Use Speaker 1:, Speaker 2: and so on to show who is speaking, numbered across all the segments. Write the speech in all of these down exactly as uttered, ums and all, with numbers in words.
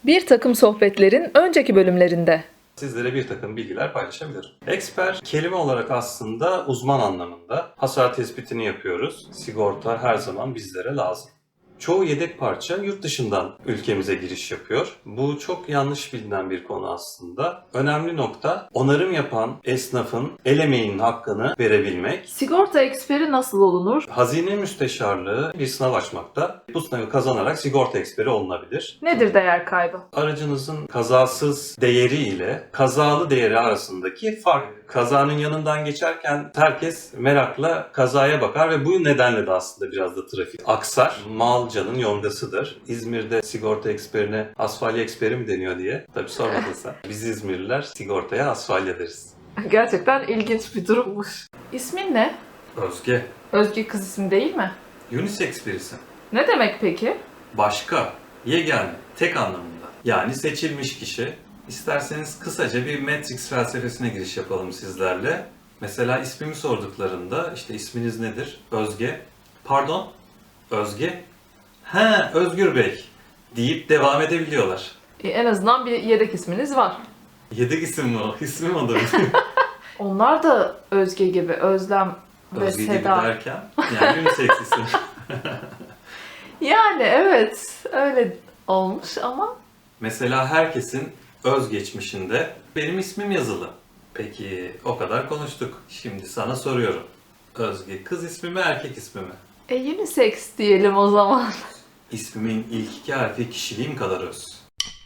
Speaker 1: Bir takım sohbetlerin önceki bölümlerinde.
Speaker 2: Sizlere bir takım bilgiler paylaşabilirim. Eksper kelime olarak aslında uzman anlamında. Hasar tespitini yapıyoruz. Sigorta her zaman bizlere lazım. Çoğu yedek parça yurt dışından ülkemize giriş yapıyor. Bu çok yanlış bilinen bir konu aslında. Önemli nokta onarım yapan esnafın el emeğinin hakkını verebilmek.
Speaker 1: Sigorta eksperi nasıl olunur?
Speaker 2: Hazine Müsteşarlığı bir sınav açmakta. Bu sınavı kazanarak sigorta eksperi olunabilir.
Speaker 1: Nedir değer kaybı?
Speaker 2: Aracınızın kazasız değeri ile kazalı değeri arasındaki fark. Kazanın yanından geçerken herkes merakla kazaya bakar ve bu nedenle de aslında biraz da trafik aksar. Mal canın yongasıdır. İzmir'de sigorta eksperine asfalya eksperi mi deniyor diye. Tabii sormadın sen. Biz İzmirliler sigortaya asfalya deriz.
Speaker 1: Gerçekten ilginç bir durummuş. İsmin ne?
Speaker 2: Özge.
Speaker 1: Özge kız ismi değil mi?
Speaker 2: Unisex birisi.
Speaker 1: Ne demek peki?
Speaker 2: Başka, yegane, tek anlamında. Yani seçilmiş kişi. İsterseniz kısaca bir Matrix felsefesine giriş yapalım sizlerle. Mesela ismimi sorduklarında işte isminiz nedir? Özge. Pardon? Özge? He, Özgür Bey deyip devam edebiliyorlar.
Speaker 1: E, en azından bir yedek isminiz var.
Speaker 2: Yedek isim mi o? İsmim odur.
Speaker 1: Onlar da Özge gibi, Özlem ve
Speaker 2: Özge gibi
Speaker 1: Seda.
Speaker 2: derken yani unisex isim.
Speaker 1: Yani evet, öyle olmuş ama
Speaker 2: Mesela herkesin özgeçmişinde benim ismim yazılı. Peki o kadar konuştuk. Şimdi sana soruyorum. Özge kız ismi mi erkek ismi mi?
Speaker 1: e, unisex diyelim o zaman.
Speaker 2: İsmimin ilk iki harfi kişiliğim kadar öz.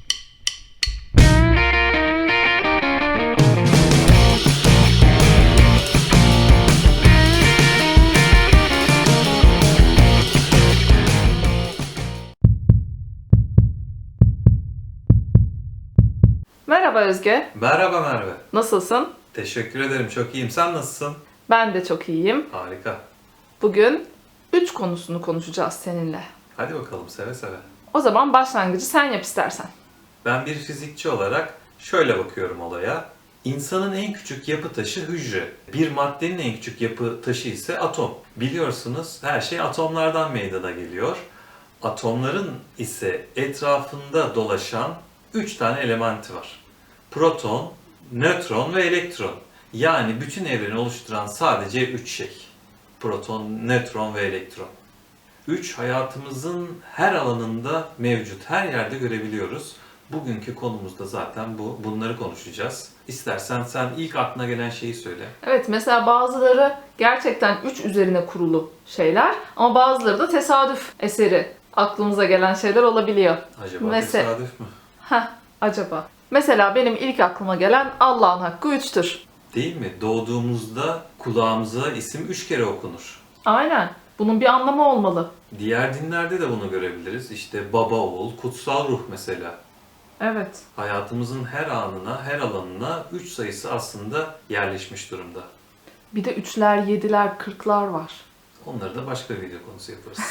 Speaker 1: Merhaba Özge,
Speaker 2: Merhaba Merve.
Speaker 1: nasılsın?
Speaker 2: Teşekkür ederim. Çok iyiyim. Sen nasılsın?
Speaker 1: Ben de çok iyiyim.
Speaker 2: Harika.
Speaker 1: Bugün üç konusunu konuşacağız seninle.
Speaker 2: Hadi bakalım seve seve.
Speaker 1: O zaman başlangıcı sen yap istersen.
Speaker 2: Ben bir fizikçi olarak şöyle bakıyorum olaya. İnsanın en küçük yapı taşı hücre. Bir maddenin en küçük yapı taşı ise atom. Biliyorsunuz her şey atomlardan meydana geliyor. Atomların ise etrafında dolaşan üç tane elementi var. Proton, nötron ve elektron. Yani bütün evreni oluşturan sadece üç şey. Proton, nötron ve elektron. Üç hayatımızın her alanında mevcut, her yerde görebiliyoruz. Bugünkü konumuz da zaten bu. Bunları konuşacağız. İstersen sen ilk aklına gelen şeyi söyle.
Speaker 1: Evet, mesela bazıları gerçekten üç üzerine kurulu şeyler ama bazıları da tesadüf eseri aklımıza gelen şeyler olabiliyor.
Speaker 2: Acaba
Speaker 1: Mese-
Speaker 2: tesadüf mü?
Speaker 1: Heh, acaba. Mesela benim ilk aklıma gelen Allah'ın hakkı üçtür.
Speaker 2: Değil mi? Doğduğumuzda kulağımıza isim üç kere okunur.
Speaker 1: Aynen. Bunun bir anlamı olmalı.
Speaker 2: Diğer dinlerde de bunu görebiliriz. İşte baba, oğul, kutsal ruh mesela.
Speaker 1: Evet.
Speaker 2: Hayatımızın her anına, her alanına üç sayısı aslında yerleşmiş durumda.
Speaker 1: Bir de üçler, yediler, kırklar var.
Speaker 2: Onları da başka bir video konusu yaparız.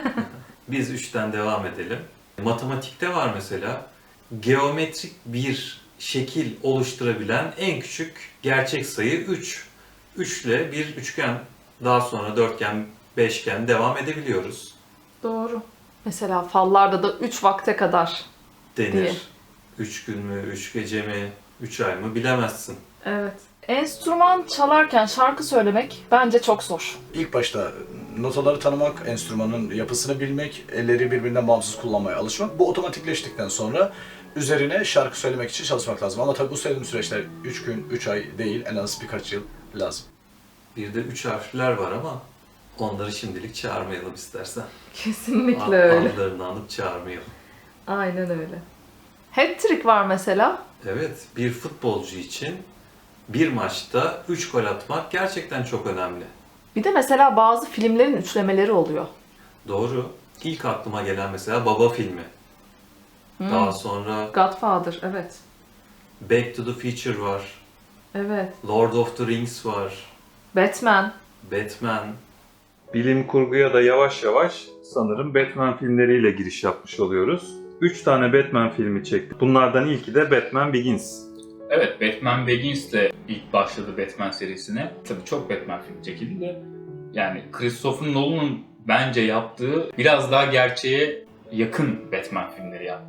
Speaker 2: Biz üçten devam edelim. Matematikte var mesela. Geometrik bir şekil oluşturabilen en küçük gerçek sayı üç. üç ile bir üçgen, daha sonra dörtgen, beşgen devam edebiliyoruz.
Speaker 1: Doğru. Mesela fallarda da üç vakte kadar.
Speaker 2: Denir.
Speaker 1: Diye.
Speaker 2: üç gün mü, üç gece mi, üç ay mı bilemezsin.
Speaker 1: Evet. Enstrüman çalarken şarkı söylemek bence çok zor.
Speaker 3: İlk başta notaları tanımak, enstrümanın yapısını bilmek, elleri birbirinden bağımsız kullanmaya alışmak. Bu otomatikleştikten sonra üzerine şarkı söylemek için çalışmak lazım. Ama tabii bu söylediğim süreçler üç gün, üç ay değil, en az birkaç yıl lazım.
Speaker 2: Bir de üç harfler var ama onları şimdilik çağırmayalım istersen.
Speaker 1: Kesinlikle öyle.
Speaker 2: Adlarını anıp çağırmayalım.
Speaker 1: Aynen öyle. Hat-trick var mesela.
Speaker 2: Evet, bir futbolcu için bir maçta üç gol atmak gerçekten çok önemli.
Speaker 1: Bir de mesela bazı filmlerin üçlemeleri oluyor.
Speaker 2: Doğru. İlk aklıma gelen mesela Baba filmi.
Speaker 1: Hmm.
Speaker 2: Daha sonra
Speaker 1: Godfather, evet.
Speaker 2: Back to the Future var.
Speaker 1: Evet.
Speaker 2: Lord of the Rings var.
Speaker 1: Batman.
Speaker 2: Batman. Bilim kurguya da yavaş yavaş sanırım Batman filmleriyle giriş yapmış oluyoruz. Üç tane Batman filmi çektik. Bunlardan ilki de Batman Begins.
Speaker 4: Evet, Batman Begins de ilk başladı Batman serisine. Tabii çok Batman filmi çekildi de. Yani Christopher Nolan'ın bence yaptığı biraz daha gerçeğe yakın Batman filmleri yaptı.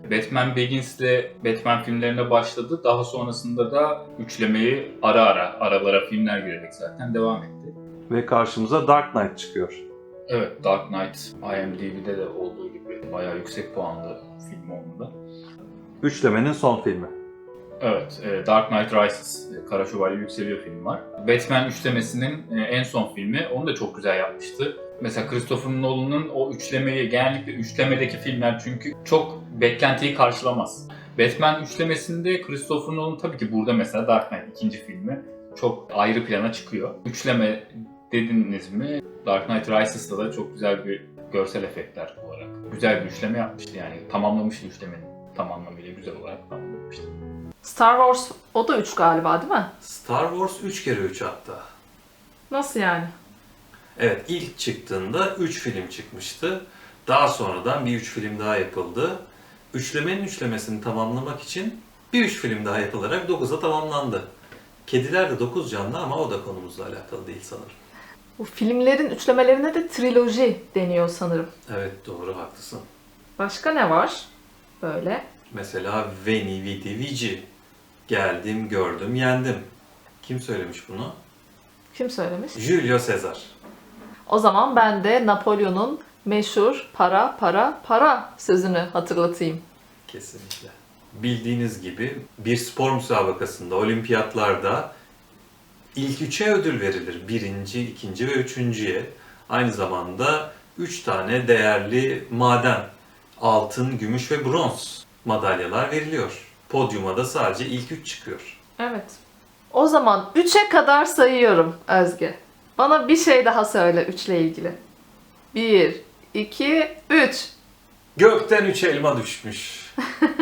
Speaker 4: Batman Begins'le Batman filmlerine başladı. Daha sonrasında da üçlemeyi ara ara, aralara filmler girerek zaten devam etti.
Speaker 2: Ve karşımıza Dark Knight çıkıyor.
Speaker 4: Evet, Dark Knight IMDb'de de olduğu gibi bayağı yüksek puanlı film onun da.
Speaker 2: Üçlemenin son filmi.
Speaker 4: Evet, e, Dark Knight Rises, e, Kara Şövalye Yükseliyor film var. Batman üçlemesinin e, en son filmi, onu da çok güzel yapmıştı. Mesela Christopher Nolan'ın o üçlemeyi, genellikle üçlemedeki filmler çünkü çok beklentiyi karşılamaz. Batman üçlemesinde Christopher Nolan tabii ki burada mesela Dark Knight ikinci filmi çok ayrı plana çıkıyor. Üçleme dediniz mi? Dark Knight Rises'ta da çok güzel bir görsel efektler olarak güzel bir üçleme yapmıştı yani tamamlamıştı üçlemenin tam anlamıyla güzel olarak tamamlamıştı.
Speaker 1: Star Wars o da üç galiba değil mi?
Speaker 2: Star Wars üç kere üç hatta.
Speaker 1: Nasıl yani?
Speaker 2: Evet, ilk çıktığında üç film çıkmıştı. Daha sonradan bir üç film daha yapıldı. Üçlemenin üçlemesini tamamlamak için bir üç film daha yapılarak dokuza tamamlandı. Kediler de dokuz canlı ama o da konumuzla alakalı değil sanırım.
Speaker 1: Bu filmlerin üçlemelerine de triloji deniyor sanırım.
Speaker 2: Evet, doğru, haklısın.
Speaker 1: Başka ne var böyle?
Speaker 2: Mesela Veni Vidi Vici. Geldim, gördüm, yendim. Kim söylemiş bunu?
Speaker 1: Kim söylemiş?
Speaker 2: Julio Caesar.
Speaker 1: O zaman ben de Napolyon'un meşhur para para para sözünü hatırlatayım.
Speaker 2: Kesinlikle. Bildiğiniz gibi bir spor müsabakasında, olimpiyatlarda ilk üçe ödül verilir. Birinci, ikinci ve üçüncüye. Aynı zamanda üç tane değerli maden, altın, gümüş ve bronz madalyalar veriliyor. Podyuma da sadece ilk üç çıkıyor.
Speaker 1: Evet. O zaman üçe kadar sayıyorum Özge. Bana bir şey daha söyle üçle ilgili. bir, iki, üç.
Speaker 2: Gökten üç elma düşmüş.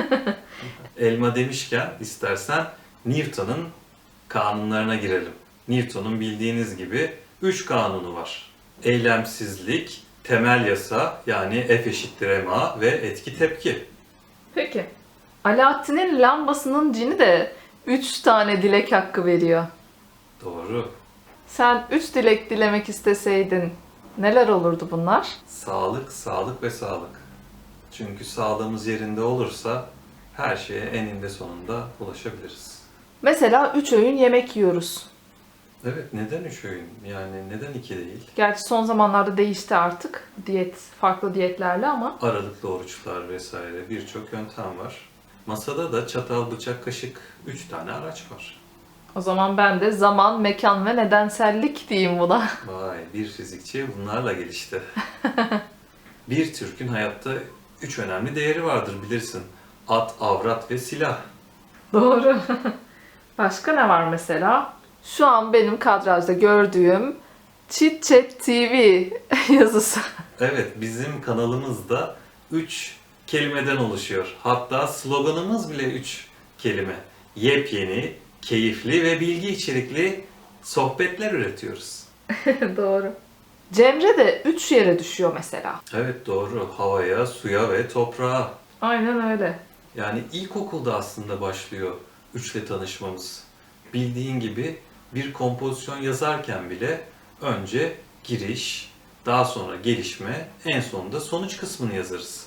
Speaker 2: Elma demişken istersen Newton'un kanunlarına girelim. Newton'un bildiğiniz gibi üç kanunu var. Eylemsizlik, temel yasa yani F eşittir ma ve etki tepki.
Speaker 1: Peki. Alaaddin'in lambasının cini de üç tane dilek hakkı veriyor.
Speaker 2: Doğru.
Speaker 1: Sen üç dilek dilemek isteseydin neler olurdu bunlar?
Speaker 2: Sağlık, sağlık ve sağlık. Çünkü sağlığımız yerinde olursa her şeye eninde sonunda ulaşabiliriz.
Speaker 1: Mesela üç öğün yemek yiyoruz.
Speaker 2: Evet, neden üç öğün? Yani neden iki değil?
Speaker 1: Gerçi son zamanlarda değişti artık diyet, farklı diyetlerle ama
Speaker 2: Aralıklı oruçlar vesaire birçok yöntem var. Masada da çatal, bıçak, kaşık üç tane araç var.
Speaker 1: o zaman ben de zaman, mekan ve nedensellik diyeyim buna.
Speaker 2: Vay, bir fizikçi bunlarla gelişti. Bir Türk'ün hayatta üç önemli değeri vardır bilirsin. At, avrat ve silah.
Speaker 1: Doğru. Başka ne var mesela? Şu an benim kadrajda gördüğüm Chit Chat T V yazısı.
Speaker 2: Evet, bizim kanalımızda üç kelimeden oluşuyor. Hatta sloganımız bile üç kelime. Yepyeni, keyifli ve bilgi içerikli sohbetler üretiyoruz.
Speaker 1: Doğru. Cemre de üç yere düşüyor mesela.
Speaker 2: Evet, doğru. Havaya, suya ve toprağa.
Speaker 1: Aynen öyle.
Speaker 2: Yani ilkokulda aslında başlıyor üçle tanışmamız. Bildiğin gibi bir kompozisyon yazarken bile önce giriş, daha sonra gelişme, en sonunda sonuç kısmını yazarız.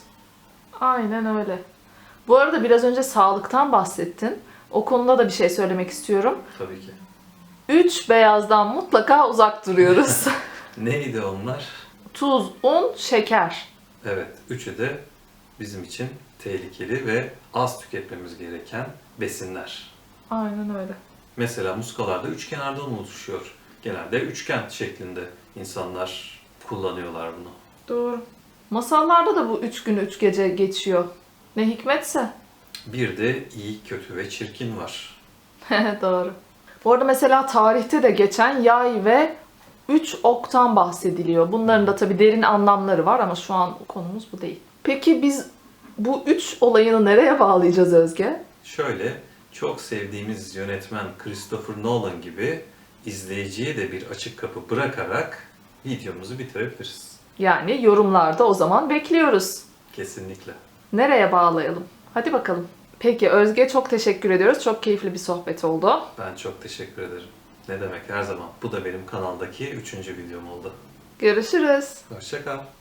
Speaker 1: Aynen öyle. Bu arada biraz önce sağlıktan bahsettin. O konuda da bir şey söylemek istiyorum.
Speaker 2: Tabii ki.
Speaker 1: Üç beyazdan mutlaka uzak duruyoruz.
Speaker 2: Neydi onlar?
Speaker 1: Tuz, un, şeker.
Speaker 2: Evet, üçü de bizim için tehlikeli ve az tüketmemiz gereken besinler.
Speaker 1: Aynen öyle.
Speaker 2: Mesela muskalarda üç kenardan oluşuyor. Genelde üçgen şeklinde insanlar kullanıyorlar bunu.
Speaker 1: Doğru. Masallarda da bu üç gün üç gece geçiyor. Ne hikmetse.
Speaker 2: Bir de iyi, kötü ve çirkin var.
Speaker 1: Doğru. Bu arada mesela tarihte de geçen yay ve üç oktan bahsediliyor. Bunların da tabii derin anlamları var ama şu an konumuz bu değil. Peki biz bu üç olayını nereye bağlayacağız Özge?
Speaker 2: Şöyle, çok sevdiğimiz yönetmen Christopher Nolan gibi izleyiciye de bir açık kapı bırakarak videomuzu bitirebiliriz.
Speaker 1: Yani yorumlarda o zaman bekliyoruz.
Speaker 2: Kesinlikle.
Speaker 1: Nereye bağlayalım? Hadi bakalım. Peki Özge çok teşekkür ediyoruz. Çok keyifli bir sohbet oldu.
Speaker 2: Ben çok teşekkür ederim. Ne demek, her zaman. Bu da benim kanaldaki üçüncü videom oldu.
Speaker 1: Görüşürüz.
Speaker 2: Hoşça kal.